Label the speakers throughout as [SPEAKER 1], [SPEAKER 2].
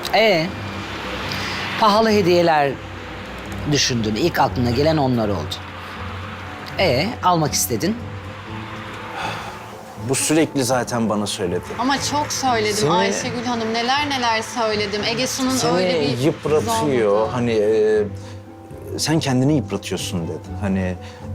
[SPEAKER 1] Ee, pahalı hediyeler düşündün. İlk aklına gelen onlar oldu. Almak istedin.
[SPEAKER 2] Bu sürekli zaten bana söyledi.
[SPEAKER 3] Ama çok söyledim
[SPEAKER 2] Seni-
[SPEAKER 3] Ayşegül Hanım. Neler neler söyledim. Ege Su'nun
[SPEAKER 2] Seni
[SPEAKER 3] öyle bir
[SPEAKER 2] yıpratıyor.
[SPEAKER 3] zorladı.
[SPEAKER 2] Hani sen kendini yıpratıyorsun dedi. Hani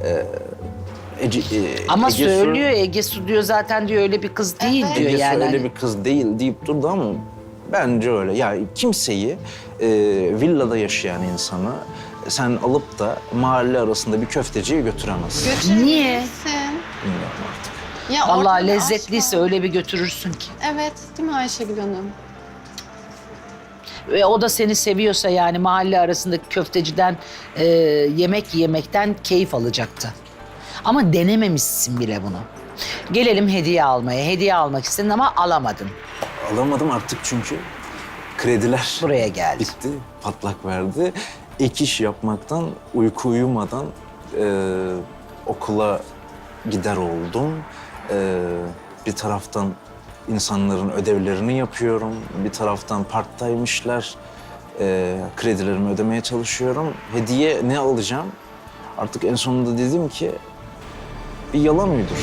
[SPEAKER 1] Ama
[SPEAKER 2] Ege Su-
[SPEAKER 1] söylüyor Ege Su diyor zaten diyor öyle bir kız değil
[SPEAKER 3] Evet.
[SPEAKER 1] diyor
[SPEAKER 2] Ege Su
[SPEAKER 1] yani.
[SPEAKER 2] öyle
[SPEAKER 1] Hani
[SPEAKER 2] bir kız değil deyip durdu ama bence öyle. Ya kimseyi villada yaşayan insanı sen alıp da mahalle arasında bir köfteciye götüremezsin.
[SPEAKER 3] Götürebilirsin.
[SPEAKER 1] Niye?
[SPEAKER 2] Bilmiyorum artık.
[SPEAKER 3] Ya
[SPEAKER 1] Vallahi
[SPEAKER 3] ortada
[SPEAKER 1] lezzetliyse
[SPEAKER 3] aşk var.
[SPEAKER 1] öyle bir götürürsün ki.
[SPEAKER 3] Evet, değil mi Ayşegül Hanım?
[SPEAKER 1] Ve o da seni seviyorsa yani mahalle arasındaki köfteciden yemek yemekten keyif alacaktı. Ama denememişsin bile bunu. Gelelim hediye almaya. Hediye almak istedin ama alamadın.
[SPEAKER 2] Alamadım artık çünkü krediler
[SPEAKER 1] Buraya geldi.
[SPEAKER 2] bitti, patlak verdi. Ek iş yapmaktan, uyku uyumadan okula gider oldum. Bir taraftan insanların ödevlerini yapıyorum. Bir taraftan part-time işler, kredilerimi ödemeye çalışıyorum. Hediye ne alacağım? Artık en sonunda dedim ki bir yalan uydur.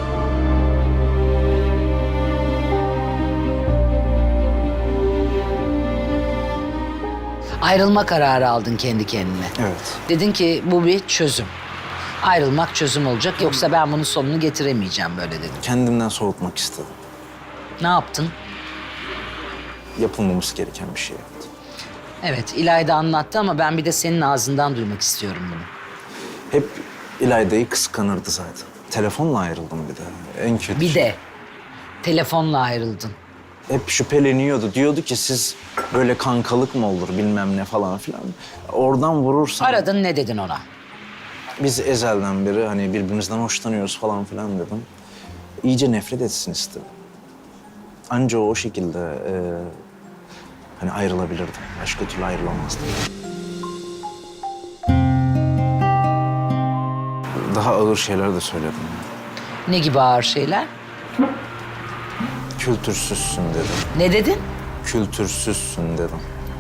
[SPEAKER 1] Ayrılma kararı aldın kendi kendine.
[SPEAKER 2] Evet.
[SPEAKER 1] Dedin ki bu bir çözüm. Ayrılmak çözüm olacak yoksa ben bunun sonunu getiremeyeceğim böyle dedin.
[SPEAKER 2] Kendimden soğutmak istedim.
[SPEAKER 1] Ne yaptın?
[SPEAKER 2] Yapılmaması gereken bir şey yaptım.
[SPEAKER 1] Evet İlayda anlattı ama ben bir de senin ağzından duymak istiyorum bunu.
[SPEAKER 2] Hep İlayda'yı kıskanırdı zaten. Telefonla ayrıldım bir de. En kötü
[SPEAKER 1] Bir
[SPEAKER 2] şey.
[SPEAKER 1] de telefonla ayrıldın.
[SPEAKER 2] Hep şüpheleniyordu. Diyordu ki siz böyle kankalık mı olur bilmem ne falan filan. Oradan vurursan...
[SPEAKER 1] Aradın ne dedin ona?
[SPEAKER 2] Biz ezelden beri hani birbirimizden hoşlanıyoruz falan filan dedim. İyice nefret etsin istedim. Anca o şekilde hani ayrılabilirdim. Başka türlü ayrılamazdım. Daha ağır şeyler de söyledim.
[SPEAKER 1] Ne gibi ağır şeyler?
[SPEAKER 2] Kültürsüzsün dedim.
[SPEAKER 1] Ne dedin?
[SPEAKER 2] Kültürsüzsün dedim.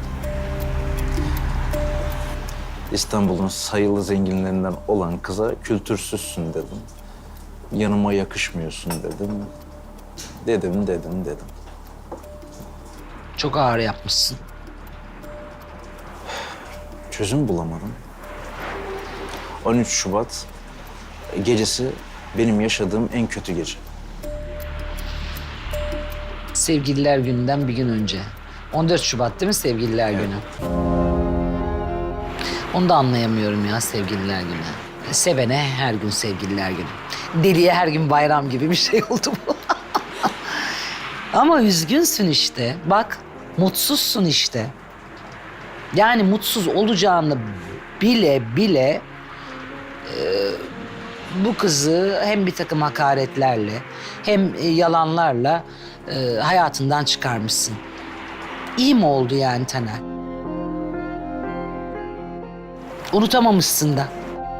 [SPEAKER 2] İstanbul'un sayılı zenginlerinden olan kıza kültürsüzsün dedim. Yanıma yakışmıyorsun dedim. Dedim.
[SPEAKER 1] Çok ağır yapmışsın.
[SPEAKER 2] Çözüm bulamadım. 13 Şubat gecesi benim yaşadığım en kötü gece.
[SPEAKER 1] Sevgililer gününden bir gün önce. 14 Şubat değil mi Sevgililer Günü? Onu da anlayamıyorum ya Sevgililer Günü. Sevene her gün Sevgililer Günü. Deliye her gün bayram gibi bir şey oldu bu. Ama üzgünsün işte. Bak mutsuzsun işte. Yani mutsuz olacağını bile bu kızı hem bir takım hakaretlerle hem yalanlarla hayatından çıkarmışsın. İyi mi oldu yani Taner? Unutamamışsın da.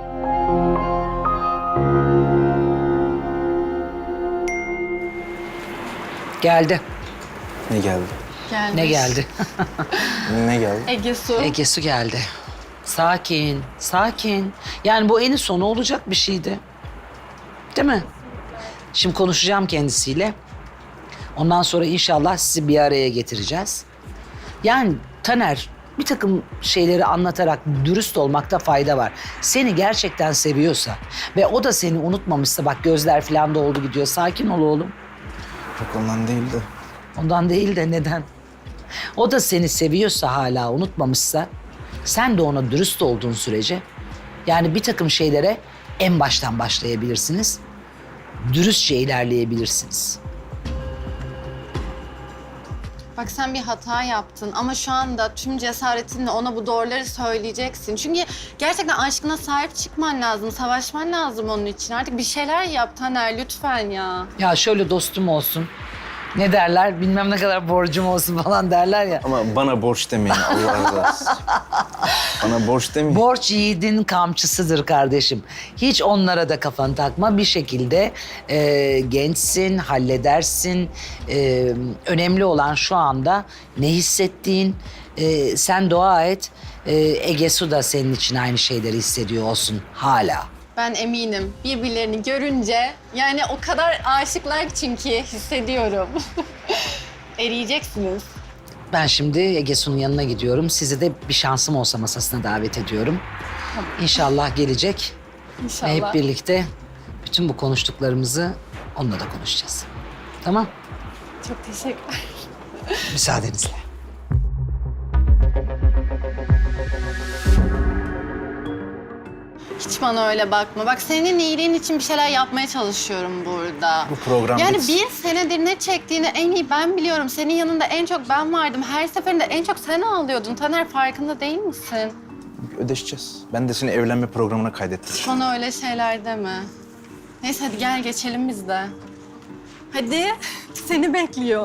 [SPEAKER 1] Geldi.
[SPEAKER 2] Ne geldi?
[SPEAKER 3] Gelmiş.
[SPEAKER 1] Ne geldi?
[SPEAKER 2] Ne geldi?
[SPEAKER 3] Ege Su.
[SPEAKER 1] Ege Su geldi. Sakin, sakin. Yani bu eni sonu olacak bir şeydi. Değil mi? Şimdi konuşacağım kendisiyle. Ondan sonra inşallah sizi bir araya getireceğiz. Yani Taner bir takım şeyleri anlatarak dürüst olmakta fayda var. Seni gerçekten seviyorsa ve o da seni unutmamışsa bak gözler falan doldu gidiyor. Sakin ol oğlum.
[SPEAKER 2] Yok ondan değildi.
[SPEAKER 1] Ondan değil de neden? O da seni seviyorsa hala unutmamışsa sen de ona dürüst olduğun sürece yani bir takım şeylere en baştan başlayabilirsiniz. Dürüstçe ilerleyebilirsiniz.
[SPEAKER 3] Bak sen bir hata yaptın ama şu anda tüm cesaretinle ona bu doğruları söyleyeceksin. Çünkü gerçekten aşkına sahip çıkman lazım, savaşman lazım onun için. Artık bir şeyler yap Taner lütfen ya.
[SPEAKER 1] Ya şöyle dostum olsun. Ne derler? Bilmem ne kadar borcum olsun falan derler ya.
[SPEAKER 2] Ama bana borç demeyin Allah razı olsun. Bana borç demeyin.
[SPEAKER 1] Borç yiğidin kamçısıdır kardeşim. Hiç onlara da kafanı takma. Bir şekilde gençsin, halledersin. Önemli olan şu anda ne hissettiğin. Sen dua et. Ege Su da senin için aynı şeyleri hissediyor olsun hala.
[SPEAKER 3] Ben eminim birbirlerini görünce yani o kadar aşıklar ki çünkü hissediyorum. Eriyeceksiniz.
[SPEAKER 1] Ben şimdi Ege Su'nun yanına gidiyorum. Sizi de bir şansım olsa masasına davet ediyorum. İnşallah gelecek.
[SPEAKER 3] İnşallah.
[SPEAKER 1] Ve hep birlikte bütün bu konuştuklarımızı onunla da konuşacağız. Tamam?
[SPEAKER 3] Çok teşekkürler.
[SPEAKER 1] Müsaadenizle.
[SPEAKER 3] Hiç bana öyle bakma. Bak senin iyiliğin için bir şeyler yapmaya çalışıyorum burada.
[SPEAKER 2] Bu program
[SPEAKER 3] Yani
[SPEAKER 2] bitsin.
[SPEAKER 3] bir senedir ne çektiğini en iyi ben biliyorum. Senin yanında en çok ben vardım. Her seferinde en çok sen ağlıyordun. Taner farkında değil misin?
[SPEAKER 2] Ödeşeceğiz. Ben de seni evlenme programına kaydettim.
[SPEAKER 3] Bana öyle şeyler deme. Neyse hadi gel geçelim biz de. Hadi. Seni bekliyor.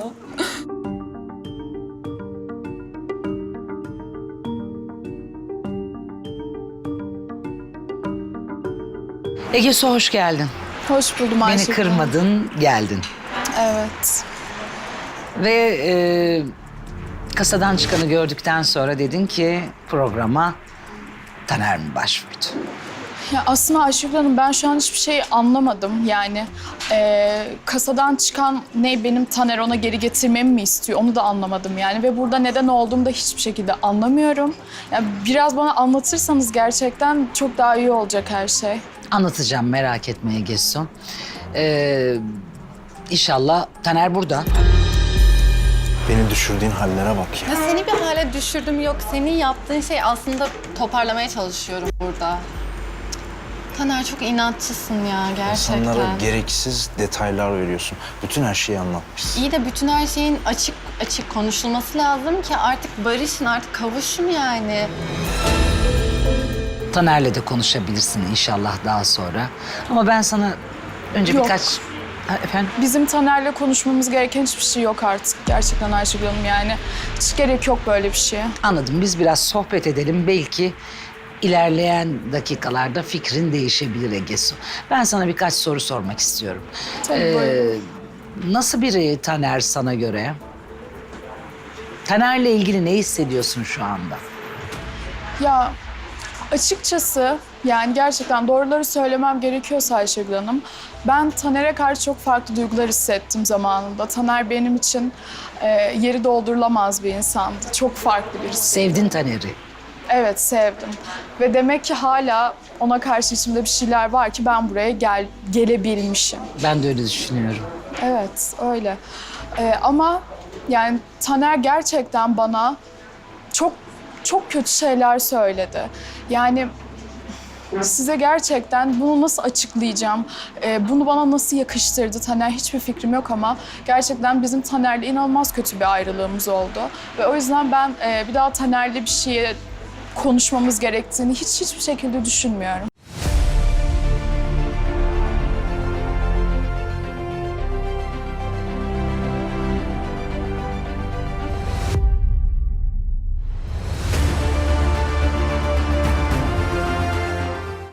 [SPEAKER 1] Ege Su hoş geldin.
[SPEAKER 4] Hoş buldum
[SPEAKER 1] Beni
[SPEAKER 4] Ayşegül.
[SPEAKER 1] kırmadın, geldin.
[SPEAKER 4] Evet.
[SPEAKER 1] Ve kasadan çıkanı gördükten sonra dedin ki programa Taner mi başvurdu?
[SPEAKER 4] Ya aslında Ayşegül Hanım ben şu an hiçbir şey anlamadım. Yani kasadan çıkan ne benim Taner ona geri getirmemi mi istiyor onu da anlamadım yani. Ve burada neden olduğumu da hiçbir şekilde anlamıyorum. Yani biraz bana anlatırsanız gerçekten çok daha iyi olacak her şey.
[SPEAKER 1] Anlatacağım, merak etme Ege Su. İnşallah Taner burada.
[SPEAKER 2] Beni düşürdüğün hallere bak ya.
[SPEAKER 3] Ya seni bir hale düşürdüm yok. Senin yaptığın şey aslında toparlamaya çalışıyorum burada. Taner çok inatçısın ya gerçekten.
[SPEAKER 2] İnsanlara gereksiz detaylar veriyorsun. Bütün her şeyi anlatmışsın.
[SPEAKER 3] İyi de bütün her şeyin açık açık konuşulması lazım ki artık barışın, artık kavuşun yani.
[SPEAKER 1] Taner'le de konuşabilirsin inşallah daha sonra. Ama ben sana önce
[SPEAKER 4] Yok.
[SPEAKER 1] birkaç... Ha, efendim?
[SPEAKER 4] Bizim Taner'le konuşmamız gereken hiçbir şey yok artık. Gerçekten Ayşegül Hanım yani. Hiç gerek yok böyle bir şeye.
[SPEAKER 1] Anladım. Biz biraz sohbet edelim. Belki ilerleyen dakikalarda fikrin değişebilir Ege Su. Ben sana birkaç soru sormak istiyorum.
[SPEAKER 4] Tabii buyurun.
[SPEAKER 1] Nasıl biri Taner sana göre? Taner'le ilgili ne hissediyorsun şu anda?
[SPEAKER 4] Ya açıkçası yani gerçekten doğruları söylemem gerekiyorsa Ayşegül Hanım, ben Taner'e karşı çok farklı duygular hissettim zamanında. Taner benim için yeri doldurulamaz bir insandı. Çok farklı birisi.
[SPEAKER 1] Sevdin Taner'i.
[SPEAKER 4] Evet sevdim. Ve demek ki hala ona karşı içimde bir şeyler var ki ben buraya gelebilmişim.
[SPEAKER 1] Ben de öyle düşünüyorum.
[SPEAKER 4] Evet öyle. Ama yani Taner gerçekten bana çok kötü şeyler söyledi. Yani size gerçekten bunu nasıl açıklayacağım, bunu bana nasıl yakıştırdı Taner hiçbir fikrim yok ama gerçekten bizim Taner'le inanılmaz kötü bir ayrılığımız oldu. Ve o yüzden ben bir daha Taner'le bir şeye konuşmamız gerektiğini hiçbir şekilde düşünmüyorum.